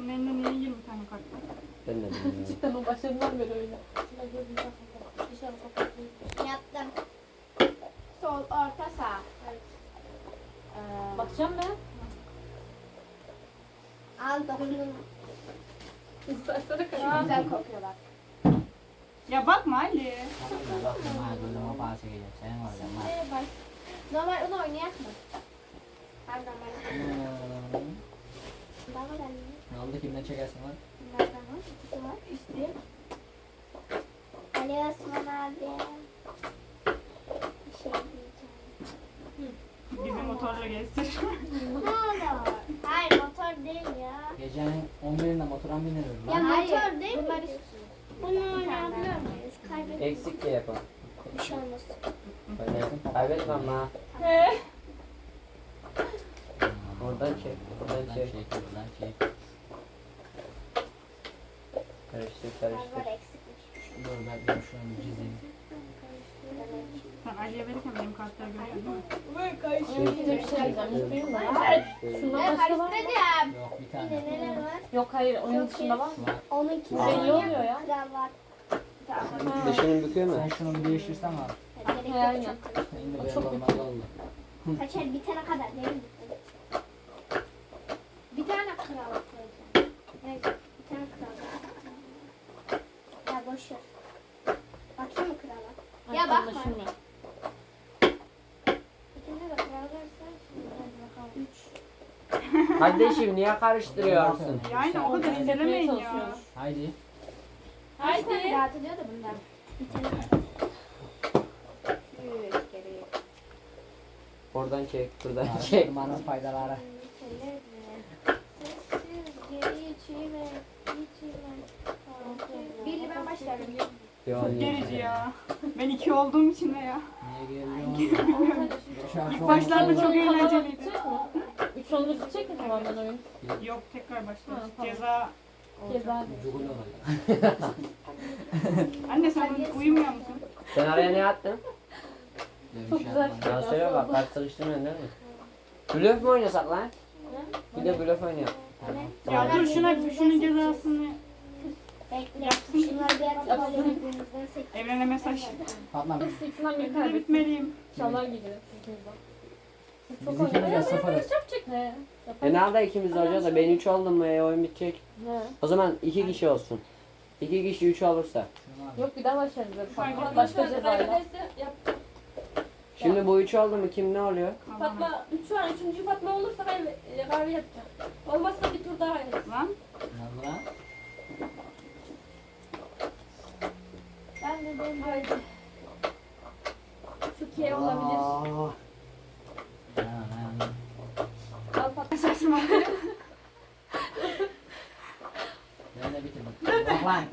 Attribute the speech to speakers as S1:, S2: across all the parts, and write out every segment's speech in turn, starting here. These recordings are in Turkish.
S1: Bunun elinde niye 20 tane kart var?
S2: Ben de bilmiyorum.
S3: Cidden o başlarından beri öyle.
S4: Yaptım. Sol, orta, sağ.
S3: Bakacağım ben.
S4: Al dokundum.
S3: İstersene
S4: Çok güzel kokuyor bak.
S1: Ya bakma Ali.
S4: Normal onu oynayak mı? Ben normal. Bana ben
S5: Ne oldu, kimden çekersin lan?
S4: bunlardan var. İkisi var. İşte. Ali Osman abi. Bir şey diyeceğim.
S1: Bizi motorla gezdir.
S4: Ne olur? Hayır motor değil ya.
S5: Gecenin 11'inde motora mı biniriz
S4: Ya
S5: lan?
S4: motor değil mi? Bunu oynayabiliyor muyuz? Kaybetmek
S2: Eksik de yapalım.
S4: bir şey olmaz.
S2: Kaybetmem ha. Oradan çek. Oradan
S5: Buradan
S2: çek.
S5: çek, buradan çek.
S2: Karıştır
S4: Var
S2: karıştır.
S4: eksikmiş.
S5: Dur ben şunu bir çizeyim.
S1: Sen Ali'ye verirken benim kartları görüyor değil mi?
S3: Önce bir şey diyeceğim. Hiç duyayım da.
S2: Karıştır.
S3: Şundan
S4: Ben
S3: başka var mı?
S4: karıştıracağım.
S5: Yok, bir
S4: Bir
S5: tane.
S4: de neler var?
S3: Yok hayır. Oyun dışında var mı?
S5: Var.
S4: Onunki
S3: Belli oluyor ya.
S4: kravat.
S2: Dışını büküyor mu?
S5: Sen şunu bir değiştirsen abi.
S4: Gerek yok,
S3: Aynen.
S4: çok karıştı.
S5: Şimdi
S3: O
S5: böyle
S3: çok
S5: olmaz oldu.
S4: Kaçar bitene kadar değil mi? Bir tane kravat koyacağım. Neyse bir tane kravat. Ya boş ver. Bakayım mı kravat?
S3: Ay,
S4: Ya bakma.
S3: anlaşılmıyor.
S4: İkinde de kravat varsa şimdi hadi bakalım. 3.
S2: Kardeşim niye karıştırıyorsun?
S1: Yani o kadar ilerlemeyin ya.
S3: çalışıyoruz.
S5: Haydi.
S4: Haydi. Rahat ediyor da bunlar. Bitene kadar. 3 geri.
S2: Oradan çek. Buradan çek.
S5: Araştırmanın faydaları.
S4: Sessiz geri içime. Birli ben başlarım.
S1: Çok gerici ya. Ben 2 olduğum için de ya.
S5: Niye geliyorsun?
S1: İlk başlarda çok eğlenceliydi.
S3: Gidecek mi? 3 olunca gidecek mi tamamen oyun?
S1: Yok tekrar başlıyoruz.
S3: Ha, tamam.
S1: Ceza.
S3: Ceza.
S5: Cugul olacak.
S1: Anne sen uyumuyor musun?
S2: Sen araya ne attın?
S3: Çok güzel.
S2: Ya söyle bak kart sıkıştırmıyorsun değil mi? Blöf mü oynasak lan? Bir de blöf oynayalım.
S1: Ya dur şunun cezasını.
S4: Bekle. Şunları bir ara
S3: Yapsın.
S4: birbirimizden seçelim.
S1: Evrene mesaj.
S5: Fatma
S3: Dur ikisinden biri
S1: Ben de
S3: kaybetsin.
S1: bitmeliyim.
S3: Çalar gidiyor. ikimizden. Siz çok
S5: Biz ikimiz de
S3: oynayın.
S5: sıfırız.
S3: Yapacak ne?
S2: E nerede ikimiz de olacağız da ben 3 oldum mu oyun bitecek.
S3: Ne?
S2: O zaman 2 kişi olsun. 2 kişi 3 olursa.
S5: Şunu al.
S3: Yok bir daha başlarız.
S1: Aynen.
S3: Fatma başka cezayla.
S2: Şimdi bu 3 oldu mu kim ne oluyor?
S6: Fatma 3 var. 3. Fatma olursa ben kahve yapacağım. Olmazsa bir tur daha yapacağım.
S1: Lan.
S5: Ne oldu lan?
S4: Ben de böyle.
S6: Haydi. Şu K olabilir. Al Fatma.
S1: Saçma.
S5: Ben de bitirdim. Bak lan.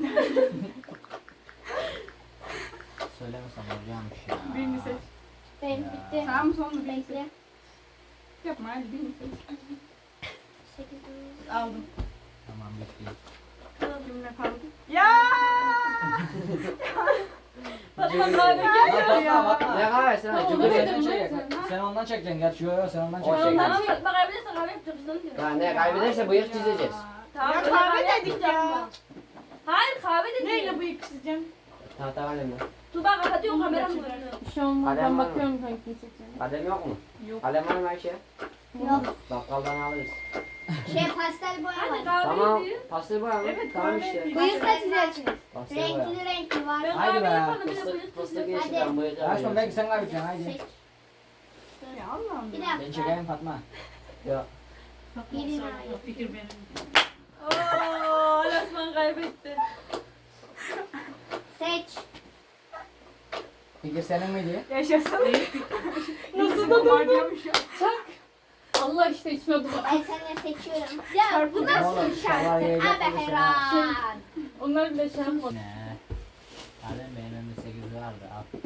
S5: Söylemesem olacakmış ya.
S1: Birini seç.
S4: Benim bitti.
S1: Sağ mı son mu birini seç.
S4: Bekle.
S1: Yapma hadi birini seç.
S4: 8.
S1: Aldım.
S5: Tamam bitti.
S1: Kimle kaldı? Ya!
S6: Fatma kahve gel.
S2: Ne kahvesi lan?
S5: Sen
S2: Cumhuriyet.
S5: ondan çekeceksin. Sen ondan çekeceksin. Gerçi yok sen ondan
S2: O
S5: çekeceksin.
S2: şey.
S6: Tamam Fatma kaybederse kahve yapacağız.
S2: Ya ne kaybederse bıyık çizeceğiz.
S6: Tamam,
S1: Ya
S6: öyle
S1: kahve dedik
S6: yapmayacağım
S1: ya.
S6: ben. Hayır kahve dedik.
S1: Neyle bıyık çizeceğim?
S2: Tahta kalem mi?
S6: Tuba kapatıyor kameram mı?
S3: Bir şey olmaz.
S2: Kalem
S3: Ben
S2: var mı?
S3: bakıyorum hangisini seçeceğim.
S2: Kalem yok mu?
S1: Yok.
S2: Kalem var mı Ayşe?
S4: Yok.
S2: Bakkaldan alırız.
S4: Pastel boya
S6: Hadi
S4: var.
S6: kahve
S2: Tamam.
S6: yapayım.
S2: Pastel boya mı?
S1: Evet,
S2: Tamam
S1: kahve
S2: işte.
S1: yapayım.
S4: Bıyık da çizersiniz.
S2: Pastel boya.
S4: Renkli renkli var.
S6: Ben
S5: Haydi
S6: kahve
S5: be.
S6: yapalım. Bir de
S2: Fıstık,
S6: bıyık
S2: fıstık
S6: çizeceğim.
S2: yeşilden bıyık
S5: Açma belki
S2: alıyoruz.
S5: sen kaybedeceksin haydi.
S4: Seç.
S1: Ya Allah'ım
S4: Bir
S1: ya.
S5: Ben
S4: dakika.
S5: çekeyim Fatma.
S2: Ya.
S4: Birini ayır.
S1: Fikir benim.
S6: Ooo Alasman kaybetti.
S4: Seç.
S5: Fikir senin miydi?
S1: Yaşasın.
S3: Nasıl
S1: da durdum?
S3: Allah işte içine dur.
S4: Ben seninle seçiyorum. Ya bu
S5: Oğlum,
S4: nasıl bir
S5: şalvar
S4: şarkı?
S5: yiyecek
S4: Abi
S5: misin
S4: hayran.
S3: Onları bile şey yapmadım.
S5: Ne? Kalem benim önümde 8 vardı al.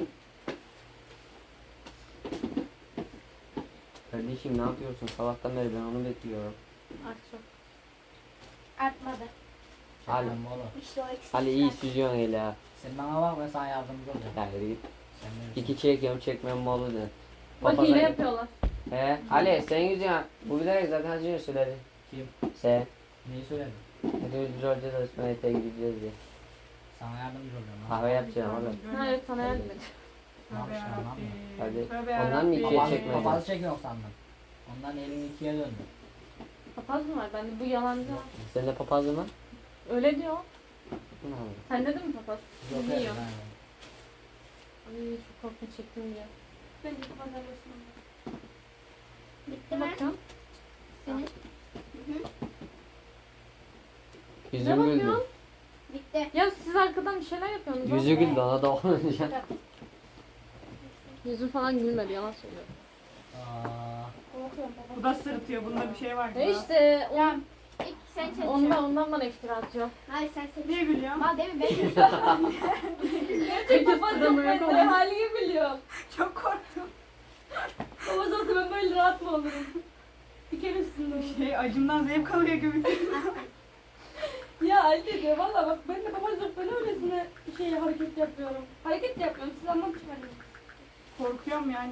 S2: Kardeşim ne yapıyorsun? Sabahtan beri ben onu bekliyorum.
S3: Aç çok.
S4: Artmadı.
S2: Ali,
S5: Çekmem oğlum.
S4: İşte o eksik.
S2: Ali iyi süzüyorsun hele ha.
S5: Sen bana bak ben sana yardımcı olacağım.
S2: Ya yürü git.
S5: Sen bilirsin.
S2: 2 çekiyorum çekmem mi olur de.
S3: Bak
S2: Papaza
S3: hile
S2: git.
S3: yapıyorlar.
S2: He Ali sen yüzüyorsun. Bu bilerek zaten Hacı'ya söyledi.
S5: Kim?
S2: Sen.
S5: Neyi söyledin?
S2: Hadi biz olacağız Osmanlı'ya gideceğiz diye.
S5: Sana yardımcı olacağım.
S2: Kahve yapacağım oğlum.
S3: Ha, evet sana yardım et.
S5: Ne
S1: Tövbe
S5: yapacağım lan
S1: yarabbim.
S2: Hadi.
S1: Tövbe
S2: Ondan mı
S1: yarabbim.
S2: ikiye
S5: Papaz,
S2: çekmedin?
S5: papazı çekiyor sandım. Ondan elin ikiye döndü.
S3: Papaz mı var? Bende bu yalancı.
S2: Senin de papazın var.
S3: Öyle diyor.
S2: Ne oldu?
S3: Sende de mi papaz?
S5: Yok
S3: Biliyor.
S5: yani.
S3: Ay çok korkunç çektim diye.
S6: Bence pazarlasın.
S4: Bitti mi?
S3: Bakın.
S4: Senin.
S3: Ne
S2: Yüzüm güldü.
S3: bakıyorsun?
S4: Bitti.
S3: Ya siz arkadan bir şeyler yapıyorsunuz.
S2: Yüzü güldü ona da olunca.
S3: Yüzüm falan gülmedi yalan söylüyor.
S5: Aa,
S6: Korkuyorum baba.
S1: Bu da sırıtıyor. Bunda bir şey var.
S3: E
S1: galiba.
S3: işte
S4: Ya ilk sen çek.
S3: ondan bana iftira atıyor.
S4: Hayır sen seç.
S1: Niye gülüyor?
S4: Mal değil mi? Ben
S6: Gerçekten fazla ben de halini biliyorum.
S1: Çok korktum.
S6: Babaz olsa ben böyle rahat mı olurum? Bir kere üstünde olur.
S1: Şey acımdan zevk alıyor gibi.
S6: Ya Ali diyor valla bak ben de babacık ben öylesine şey hareket yapıyorum. Hareket de yapıyorum siz anlatmayın.
S1: Korkuyorum yani.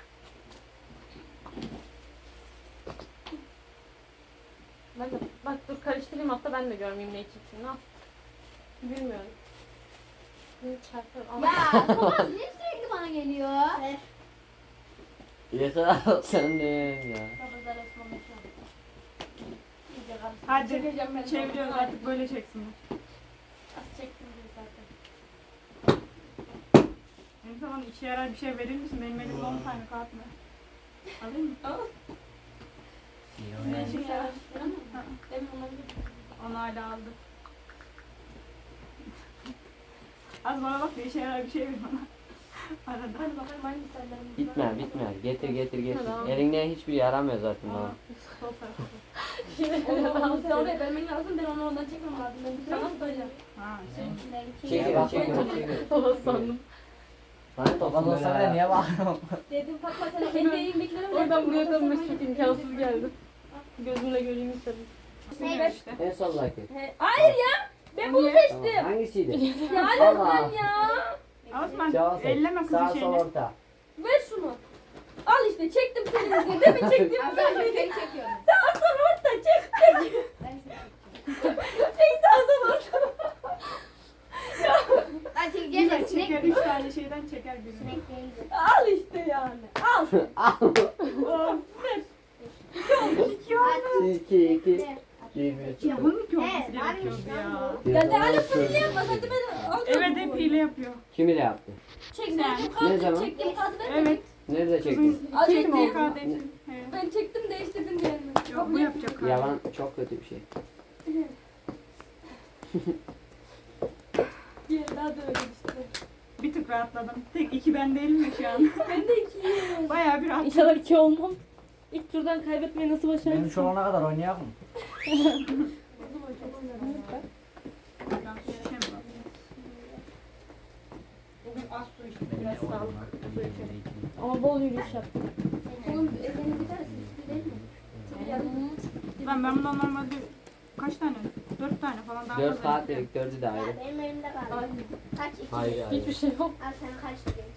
S3: Ben de, bak dur karıştırayım hatta ben de görmeyeyim ne içeceğini al. Bilmiyorum. Bir çarpı al.
S4: Ya Thomas niye sürekli bana geliyor?
S2: Yeter sen de ya.
S6: Babazlar Osman'la şu an. İyice karıştı.
S1: Hadi
S6: Çekeceğim ben.
S1: çeviriyoruz
S6: Hadi.
S1: artık böyle çeksinler.
S6: Az çektim diyor zaten.
S1: Benim sana işe yarar bir şey verir misin? Benim elimde 10 tane kağıt var. Alayım mı?
S5: iyi o
S6: Ben
S5: yani.
S6: şimdi araştırdım ama. Demin olabilir.
S1: Onu hala aldı. Az bana bak da işe yarar bir şey ver bana. Arada.
S6: Hadi bakalım hangi sayılarımız var.
S2: Bitme bitme. Getir getir getir.
S3: Tamam.
S2: Elinden hiçbir yaramıyor zaten bana.
S1: Sol tarafa.
S6: Onu sen oraya vermen lazım. Ben onu ondan çekmem lazım. Ben bir sana tutacağım.
S1: Ha şey.
S2: Çekiyor çekiyor çekiyor.
S3: Papaz sandım.
S2: Lan
S5: Papaz olsa bile niye bağırıyorsun?
S6: Dedim Fatma sana kendi elindekileri ver.
S3: Oradan buraya dönmesi çok imkansız geldi. Gözümle göreyim istedim.
S1: Ne işte.
S2: En soldaki.
S6: Hayır ya. Ben bunu
S1: Niye?
S6: seçtim.
S2: Tamam, hangisiydi?
S6: Ya
S2: Allah.
S6: lütfen ya.
S1: Osman
S2: Sağ
S1: elleme kızın
S5: Sağ sol
S1: şeyini.
S5: orta.
S6: Ver şunu. Al işte çektim seni. Değil mi çektim?
S4: Ben seni çekiyorum.
S6: Sağ sol orta çek.
S4: Ben seni
S6: Çek sağ sol orta.
S4: Ben çekeceğim de sinek
S1: Çeker 3 tane şeyden çeker birini.
S4: sinek değildi.
S6: Al işte yani. Al.
S1: Of.
S4: At.
S2: 2 2
S4: Ne?
S2: 1
S1: Ya bunun ki olması
S4: Evet, varmış
S1: gerekiyordu
S4: lan
S1: ya.
S6: Ya de Ali hile yapma. Hadi ben al.
S1: Evet hep hile yapıyor.
S2: Kim ile yaptı?
S6: Çektim.
S2: Ne zaman?
S6: Çektim. Kağıdı ver.
S1: Evet.
S2: Nerede çektin?
S1: Kızın
S6: Az
S1: çektiği
S6: çektim.
S1: kardeşi. Evet.
S6: Ben çektim değiştirdim diyelim.
S1: Yok bu yapacak kardeşi.
S2: Yalan çok kötü bir şey.
S6: Bir daha da öyle işte.
S1: Bir tık rahatladım. Tek 2 ben değilim mi şu an?
S6: Ben de ikiyim.
S1: Bayağı bir rahatladım.
S3: İnşallah 2 olmam. İlk turdan kaybetmeyi nasıl
S5: Benim
S3: başarırsın?
S5: şu olana kadar oynayalım.
S1: Ben su şişe mi var? Bugün az su içtim. Biraz
S5: Benim
S1: sağlık su içelim.
S3: Ama bol yürüyüş yaptım.
S6: Oğlum elini bir tanesi değil mi? Çok yardım.
S1: Ben bundan normalde kaç tane? 4 tane falan daha
S2: 4
S1: fazla
S2: saat
S1: içtim.
S2: dedik 4'ü de ayrı.
S4: Ya benim elimde kaldı. Kaç? İki.
S2: Hayır hayır.
S3: Hiçbir şey yok.
S4: Al sen kaç diye.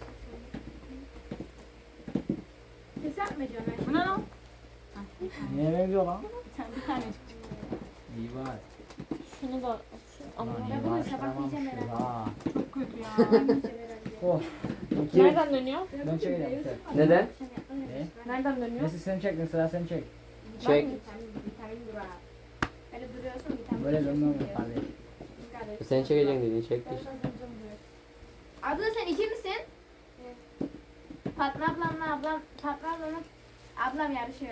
S6: Hesap mı ediyorsun?
S1: Bu ne lan?
S5: Niye benziyor lan?
S1: Bir tanecik çıktı.
S5: İyi var.
S3: Şunu da
S5: Ulan
S3: atayım.
S5: iyi
S4: bunu
S5: var,
S4: sabahlayacağım
S5: çıkaramamışız
S4: herhalde.
S5: ha.
S1: Çok kötü ya.
S5: Oh.
S3: Nereden dönüyor?
S5: Ben çekeceğim sen.
S2: Neden?
S5: Ne?
S3: Nereden dönüyor?
S5: Neyse sen çektin sıra sen çek.
S2: Çek.
S4: Vitamin durağı. Böyle duruyorsun vitamin.
S5: Böyle dönmem mi kardeş?
S2: Sen çekeceksin dedin çekti işte.
S4: Abla sen iki misin? Fatma ablamla Fatma ablamla ablam yarışıyor.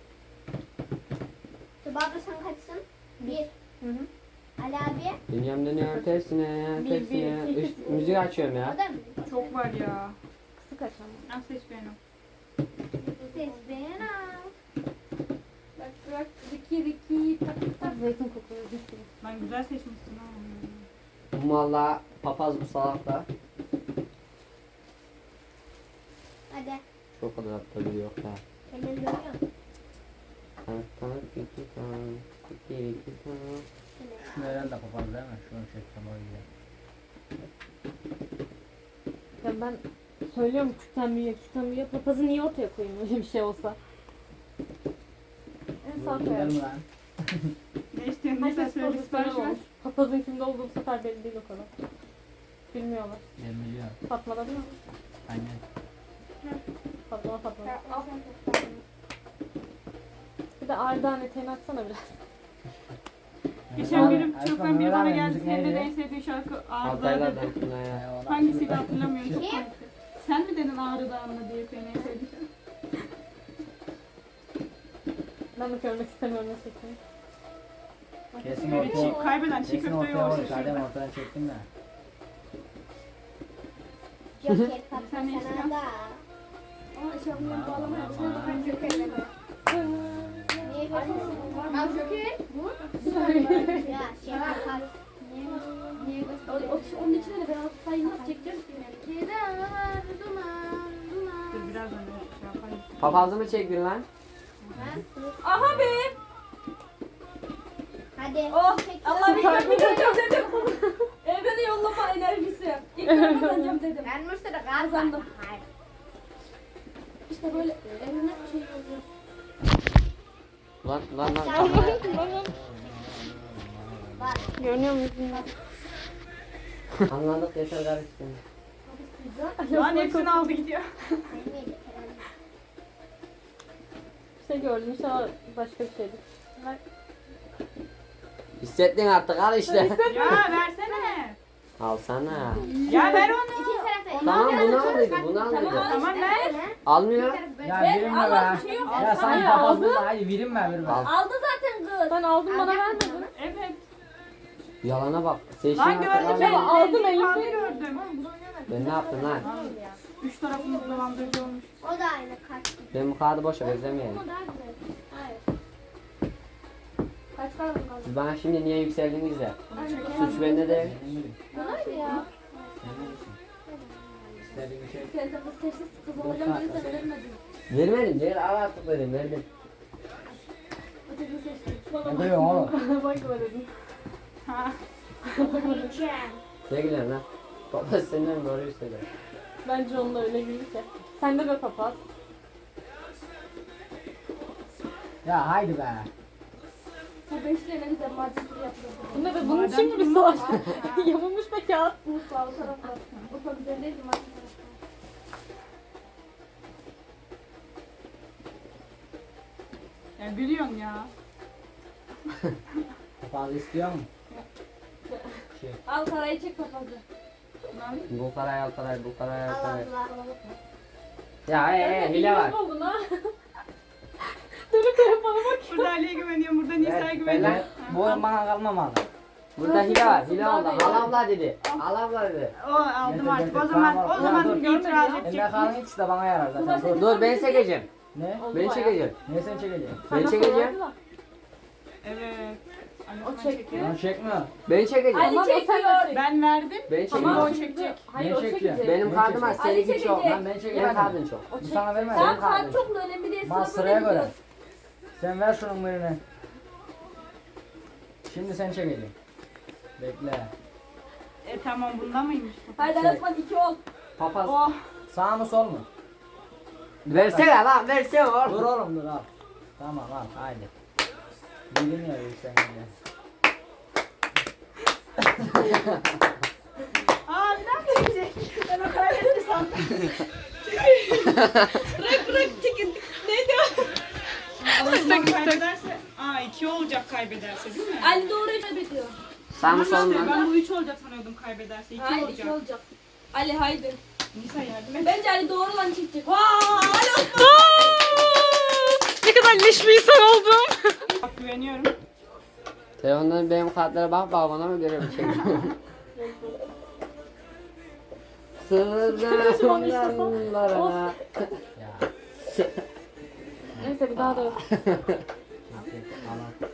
S4: Tuba abla sen kaçsın? Bir.
S3: Hı hı.
S4: Ali abi.
S2: Dünyam dönüyor tersine
S3: Bir,
S2: tersine.
S3: bir,
S2: İşte, müzik açıyorum
S4: O
S2: ya.
S4: da mı?
S1: Çok var ya.
S3: Kısık açalım.
S1: Al seç benim.
S4: Ses beğen al.
S6: Bak Riki tak tak.
S3: Zeytin kokuyor. Bir sürü.
S1: Lan güzel seçmişsin ha.
S2: Bu valla papaz bu salak da.
S4: Hadi.
S2: Çok kadar aptal yok ya.
S4: Kendini görüyor musun?
S2: Tak iki tak iki tak.
S5: Şunu herhalde kapalı değil mi? Şunu çektim o yüzden.
S3: Ya ben söylüyorum küçükten büyüye. Papazı niye ortaya koyayım öyle bir şey olsa? En sağ
S5: Gider
S3: koyarım.
S5: mi lan?
S1: Ne istiyorsun? Ne sen
S3: Herkes
S1: söyle
S3: pozisyon
S1: sipariş ver.
S3: olmuş. Papazın kimde olduğu bu sefer belli değil o kadar. Bilmiyorlar.
S5: Ben biliyorum.
S3: Fatma'da değil mi?
S5: Aynen.
S3: Fatma Fatma.
S4: Ya, al.
S3: Bir de Ardahan eteğini atsana biraz.
S1: Geçen gün
S5: Aşkım,
S1: çok biri bana
S5: Ömer abi,
S1: geldi.
S5: müzik
S1: Senin de
S5: neydi?
S1: en sevdiğin şarkı Ağrı Dağı
S2: Altaylar
S1: dedi.
S2: da ya.
S1: Hangisiydi hatırlamıyorum. Çok
S4: Kim?
S1: komikti. Sen mi dedin Ağrı Dağı'nda diye senin en sevdiğin şarkı?
S3: Ben de görmek istemiyorum ne şeklini.
S5: Kesin
S1: Böyle
S5: ortaya,
S1: kaybeden çiğ
S5: kesin
S1: köfte
S5: ortaya
S1: yoğursun
S5: vurdu. Adem
S1: şurada.
S5: ortadan çektim de.
S4: Joker
S1: Sen
S4: patla
S1: ne
S4: sana
S1: istiyorsun?
S4: da.
S6: Ama eşofmanı bağlamaya başladı.
S4: Ben Joker'le mi? Niye gösteriyorsun?
S6: Al Joker.
S4: Ya şey kapat. Niye gösteriyorsun?
S6: Onun içine de ben sayı nasıl çekeceğim ki?
S1: Dur birazdan öyle şey yapayım.
S2: Papazı mı çektin lan?
S6: Aha be.
S4: Hadi.
S6: Oh
S4: çek.
S6: Allah bir kazanacağım dedim. Evrene yollama enerjisi. İlk ben kazanacağım dedim.
S4: Ben Mustafa'da
S6: Kazandım.
S4: Hayır.
S6: İşte böyle evrene şey oluyor.
S2: Lan.
S4: Bak.
S3: Görünüyor musun?
S2: Anladık yeter karıştı.
S1: Lan hepsini aldı gidiyor.
S4: Neydi?
S3: Bir şey gördüm inşallah başka bir şeydir.
S2: Hissettin artık al işte.
S1: Ya versene.
S2: Alsana.
S1: Ya ver onu.
S4: İkinci tarafta.
S2: Tamam bunu aldıydı bunu aldıydı.
S1: Tamam ver.
S2: Almıyor.
S5: Ya
S6: Ben
S5: verin mi
S6: Allah
S5: be?
S6: bir şey yok.
S5: Ya sen
S3: Hayır,
S5: papaz
S3: aldı.
S5: burada. Haydi verin mi verin mi?
S2: Al.
S6: Aldı zaten kız.
S3: Ben aldım bana vermedin.
S1: Evet.
S2: Yalana bak. Seçin
S1: Lan
S2: artık
S1: gördüm
S2: al.
S1: ben.
S3: aldım,
S1: Elini
S3: elimde.
S1: gördüm.
S2: Ben ne yaptım lan?
S1: Üç tarafımız dolandırıcı olmuş.
S4: O da aynı kart.
S2: Ben bu kağıdı boşa özlemeyelim.
S4: Ama daha güzel. Hayır.
S6: Kaç kaldı kaldı?
S2: Siz bana şimdi niye yükseldiniz de?
S1: Bunu çekelim.
S2: Suç bende değil.
S5: Senin gibi.
S6: Bunaydı ya.
S5: Senin gibisin. İstediğin şey.
S6: Sen de kız sessiz kız olacağım dedi sen vermedin.
S2: Vermedim değil al artık dedim verdim.
S6: Ötekini seçtim.
S5: Ne duyuyorsun oğlum?
S3: Bana bakma dedim.
S1: Ha.
S4: Yiyeceğim.
S2: Sevgiler lan. Baba senden doğru istedi.
S3: Bence onunla öyle gibi ki. Sen de be papaz.
S5: Ya haydi be.
S6: Bu beşli ne güzel marketleri yapıyordu.
S3: Bu ne be bunun için mi bir savaştık? Yamulmuş be kağıt.
S6: Mutfağı o tarafta. Mutfağı üzerindeydi market tarafta.
S1: Ya gülüyorsun ya.
S5: Papaz istiyor musun? Şey.
S6: Al parayı çek papazı.
S1: Lan.
S2: Bu karay al karay bu karay al
S4: Al
S2: karay.
S4: abla.
S2: Ya hile var.
S3: İyi oldun ha. Dönüp telefona bak.
S1: Burada Ali'ye güveniyorum. Burada Nisa'ya
S2: Ben-
S1: güveniyorum.
S5: Ben, bu oyun bana kalmamalı.
S2: Burada hile var. Hile
S3: Daha
S2: oldu.
S3: değil.
S2: Al abla dedi. Al abla dedi.
S1: O aldım
S5: Getir,
S1: artık.
S5: getir.
S1: O zaman
S5: Tamam,
S1: o zaman
S5: dur.
S1: itiraz
S5: Emre
S1: edecek.
S5: kalan ikisi de bana yarar zaten. Dur.
S2: Dur ben çekeceğim.
S5: Ne?
S3: Oldu
S2: Ben
S3: bayağı.
S2: çekeceğim.
S5: Ne sen çekeceksin?
S2: Ben
S3: Sana
S2: çekeceğim.
S3: sorardı da.
S1: Evet. Ali
S3: O
S1: ben
S3: çekti.
S1: çekiyorum.
S5: Onu çekme.
S2: Ben çekeceğim.
S6: Ali
S3: Tamam, o
S6: çekiyor.
S3: sen-
S1: Ben verdim.
S2: Ben
S1: Ama
S2: çekeceğim.
S1: o çekecek.
S3: Hayır
S5: Ben
S3: o
S5: çekeceğim.
S3: çekecek.
S2: Benim
S5: Ben
S2: kartım var.
S5: çekeceğim.
S2: Seninki çok.
S6: çekecek.
S5: Lan ben
S2: Benim
S5: çekemedim.
S2: kartım çok.
S3: O
S5: Bu
S3: çek.
S5: sana vermez.
S6: Tamam
S2: Benim kartım.
S6: kart çok mu önemli değil.
S5: Bana
S6: Sıra
S5: sıraya
S6: böyle
S5: göre. Sen ver şunun birini. Şimdi sen çekeceksin. Bekle.
S1: Tamam bunda mıymış?
S6: Haydi Alasman 2 ol.
S2: Papaz.
S1: Oh.
S5: Sağ mı sol mu?
S2: Versene lan versene oğlum.
S5: Dur oğlum dur al. Tamam al haydi. Bilin ya sen yine.
S1: Aa bir daha gelecek. Ben o kaybetti sandım. Rık tikin. Neydi o? Alışmak kaybederse. Aa 2 olacak kaybederse değil mi?
S6: Ali doğruyu kaybediyor.
S2: Sağ mı sol
S1: Tamam
S2: mu?
S1: işte, ben bu 3 olacak sanıyordum kaybederse. 2
S6: Hayır
S1: olacak.
S6: 2 olacak. Ali haydi.
S1: Nisa yardım et.
S6: Bence Ali doğru lan çekecek.
S3: Ne kadar leş bir insan oldum.
S1: Bak güveniyorum.
S2: Telefondan benim kartlara bak bana mı göre bir şey. Sırlarına.
S5: Ya.
S3: Neyse bir daha da yok.
S5: Çek, al al.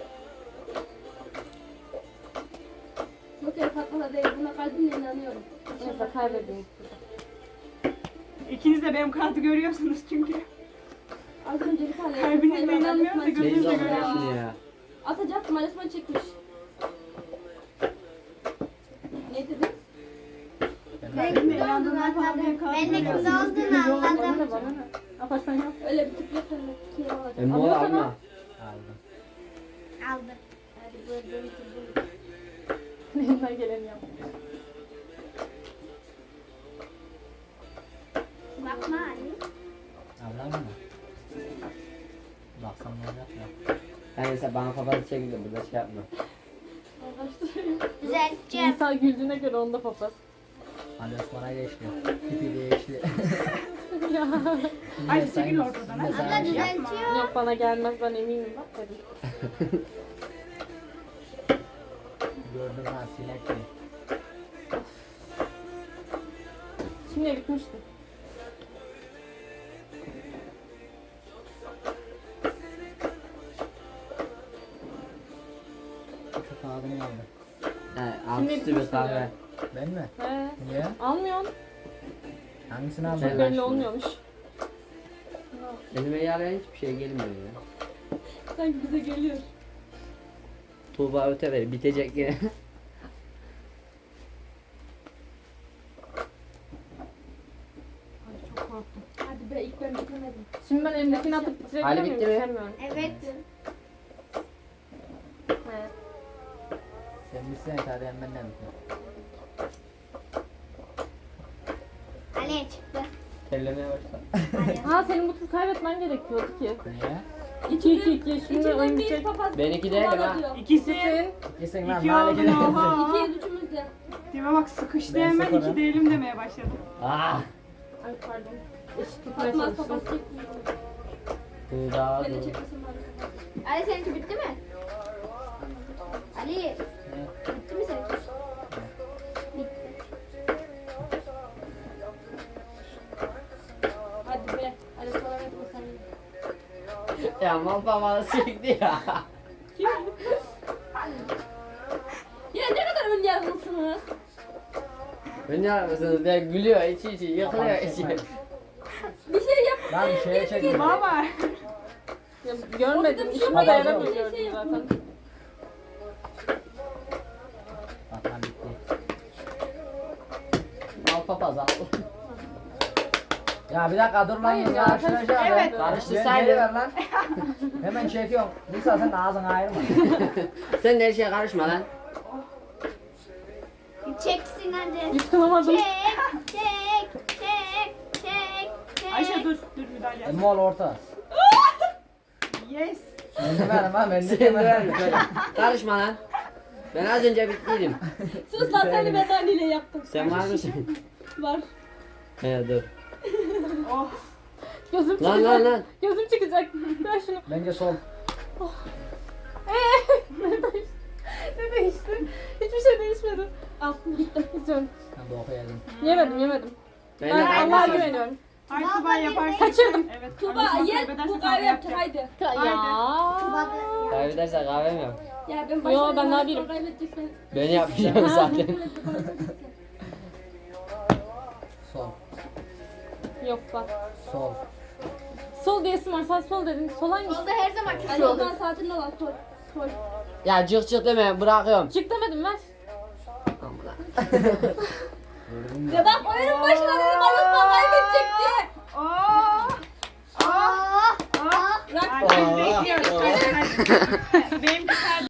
S6: Bu kere patmalar değil. Buna kalbimle inanıyorum.
S3: Neyse kaybedeyim.
S1: İkiniz de benim kartı görüyorsunuz çünkü.
S6: Az önce bir tane
S1: Kalbinizle
S6: sayılar
S1: inanmıyorum da
S6: Alasman
S1: gözünüzle
S2: Teyze
S6: çekmiş.
S1: görüyorum.
S2: olmuş ya.
S6: Atacaktım Alasman çekmiş. Ne dedin?
S4: Ben
S1: Benim de
S4: kız olduğunu
S1: inandığımdan falan benim
S4: anladım.
S1: kartım
S4: Ben de kız
S1: görüyorsunuz.
S4: olduğunu
S3: Bana
S4: anladım.
S3: ne bana ne? Yaparsan yap.
S6: Öyle bir tip yok. Öyle bir şey olacak.
S2: Emmoğlu alma.
S5: Aldım.
S4: kaldı. Hadi buyurun.
S3: Elinden geleni yap.
S4: Bakma Ali.
S5: Ablam mı? Baksam ne olacak ya?
S2: Yani sen bana papaz çekildi burada şey yapma.
S3: Arkadaşlar.
S4: Düzelteceğim.
S3: İnsan güldüğüne göre onda papaz.
S5: Ali Osman'a geçti. Tipi değişti.
S3: Ya.
S1: Ay çekil ortadan.
S5: Yine
S1: ha.
S5: sana
S4: Abla
S5: bir şey-
S4: düzeltiyor.
S3: Yok bana gelmez ben eminim bak dedim.
S5: Gördüm ha sinek gibi.
S3: Şimdi bitmişti.
S5: Çok ağzım yandı.
S2: He, alt üstü bir kahve.
S5: Ben mi?
S3: He.
S5: Niye?
S3: Almıyorsun.
S5: Hangisini
S2: Ben-
S3: Çok
S5: aldın?
S3: belli olmuyormuş.
S2: Elime yarayan hiçbir şey gelmiyor ya.
S6: Sanki bize geliyor.
S2: Tuğba öte ver bitecek yine.
S3: Ay çok korktum.
S6: Hadi be ilk ben bitiremedim.
S3: Şimdi ben elimdekini atıp bitirebilir
S2: Ali
S3: miyim?
S2: bitti mi?
S3: Bitiremiyorum.
S4: Evet.
S3: Evet.
S5: Sen bitsen hadi ben benden bitir.
S4: Ali çıktı.
S2: Terlemeye başladı.
S4: Hadi.
S3: Ha senin bu tur kaybetmen gerekiyordu ki.
S5: Niye?
S3: 2-2-2 şimdi oyun
S6: İçinden bir
S3: bitecek.
S6: papaz.
S2: Benimki değil ha.
S6: kovalıyor.
S1: İkisi.
S5: İkisin lan
S1: İki
S5: nane
S1: oldu
S5: gidelim.
S1: oha.
S6: İkiye üçümüz de.
S1: Dime bak sıkıştı
S5: Ben
S1: hemen
S5: sıfırım.
S1: iki değilim demeye başladım.
S2: Ah.
S3: Ay pardon. Eşit tutmaya
S6: Atmaz papaz
S3: çalıştım.
S6: çekmiyor.
S2: Tuğba
S6: Beni
S2: dur.
S6: çekmesin bari.
S4: Ali seninki bitti mi? Ali
S5: Ne?
S4: bitti mi seninki? Bitti.
S6: Hadi be. Hadi sonra hadi bu sen.
S2: Ya mal papalı çekti ya.
S6: Ya ne kadar ön yargılısınız.
S2: Beni yapmışsınız ya gülüyor içi yıkılıyor içi.
S6: Bir şey yap.
S5: Lan şeye çektim.
S1: Baba.
S3: Ya, görmedim.
S6: Orada bir
S3: İşime
S6: şey
S3: dayanamıyor
S6: yok.
S3: gördüm zaten.
S5: Bak lan bitti.
S2: Mal papaz al.
S5: Ya bir dakika dur lan.
S3: Hayır ya,
S5: Karıştıracağım.
S1: Evet.
S2: Karıştırsaydın.
S5: Geri ver lan. Hemen çekiyorum. Nisa sen de ağzını ayırma.
S2: Sen de her şeye karışma lan.
S4: Çeksin hadi.
S3: Yıkılamadım.
S4: Çek.
S1: Ayşe dur. Dur müdahale. yap.
S5: Mol orta.
S1: Yes.
S5: Ben de vermem ha ben de
S2: Sen de
S5: vermem.
S2: verme böyle. Karışma lan. Ben az önce bittiydim.
S6: Sus lan seni ben anneyle yaptım.
S2: Sen var mısın?
S6: Var.
S2: He dur.
S1: Oh.
S3: Gözüm
S2: Lan
S3: çıkacak.
S2: lan lan.
S3: Gözüm çıkacak. Ver şunu.
S5: Bence sol.
S3: Ne değişti? Hiçbir şey değişmedi. Al gitti. İstiyorum.
S5: Ben de okuyalım.
S3: Yemedim.
S2: Ben
S3: Ben
S2: de
S3: Allah'a
S2: kaybedersem.
S3: güveniyorum.
S1: Hayır Tuba yaparsın.
S3: Kaçırdım.
S1: Evet.
S6: Tuba
S1: Annesini
S6: ye
S1: kaybederse
S6: bu
S1: kahve
S6: kahve yapacak
S1: yapacak.
S6: haydi.
S3: Ya.
S2: Kaybedersen kahvem yok.
S6: Ya ben
S3: Yo,
S6: başlarım.
S3: ben daha birim.
S6: Kaybedeceksen.
S2: Ben yapacağım zaten.
S5: Sol.
S3: Yok bak.
S5: Sol.
S3: Sol diyesim var. Sen sol dedin. Sol hangisi?
S4: Solda her zaman
S6: Hadi o zaman saatinde olan sol. Sol.
S2: Ya cık cık deme bırakıyorum.
S3: Çık demedim ver.
S6: Ya bak oyunun başına dedim Alus'tan kaybedecek diye.
S1: Oh. Oh. Oh.
S6: Bırak.
S1: Ay, biz bekliyoruz. Hadi. Benimki